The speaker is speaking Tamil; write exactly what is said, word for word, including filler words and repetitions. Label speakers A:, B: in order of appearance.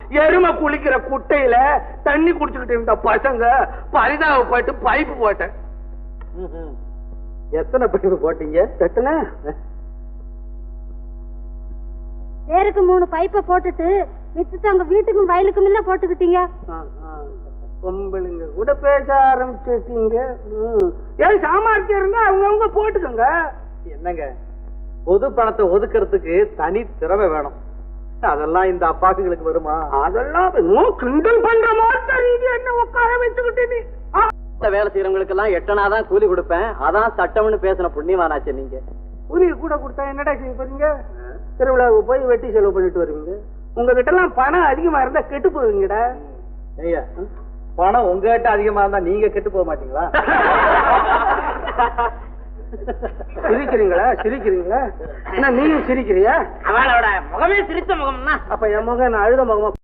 A: எருமை குளிக்கிற குட்டையில தண்ணி குடிச்சுக்கிட்டு இருந்த பசங்க பரிதாபப்பட்டு பைப்பு போட்டேன்.
B: எத்தனை பைப்பு போட்டீங்க?
A: எத்தனை?
C: பேருக்கு மூணு பைப்பை போட்டுட்டு மிச்சத்தை அங்க வீட்டுக்கும் வயலுக்கும் இல்ல போட்டுக்கிட்டீங்க.
A: பொம்பளைங்க கூட பேச ஆரம்பிச்சுட்டீங்க. ஏன் சாமர்த்தியம் இருந்தா அவங்கவுங்க போட்டுக்கோங்க.
B: என்னங்க, பொது பணத்தை ஒதுக்கிறதுக்கு தனி திறமை வேணும். அதெல்லாம் இந்த அப்பாக்குகளுக்கு வருமா?
A: அதெல்லாம் கிண்டல் பண்ற மாதிரி என்ன உட்கார வச்சுக்கிட்டு
B: வேலை செய்யறவங்களுக்கு எல்லாம் எட்டனாதான் கூலி கொடுப்பேன், அதான் சட்டம்னு பேசின புண்ணியமானாச்சு. நீங்க
A: கூலி கூட கொடுத்தா என்னடா செய்ய போறீங்க? திருவிழாவுக்கு போய் வெட்டி செலவு பண்ணிட்டு வருவீங்க. உங்ககிட்ட எல்லாம் பணம் அதிகமா இருந்தா கெட்டு போவீங்கடா.
B: ஐயா, பணம் உங்ககிட்ட அதிகமா இருந்தா நீங்க கெட்டு போக மாட்டீங்களா?
A: சிரிக்கிறீங்களா? சிரிக்கிறீங்களா? என்ன நீயும் சிரிக்கிறியா?
D: அவளோட முகமே சிரித்த முகம்னா
A: அப்ப என் முகம் நான் அழுத முகமா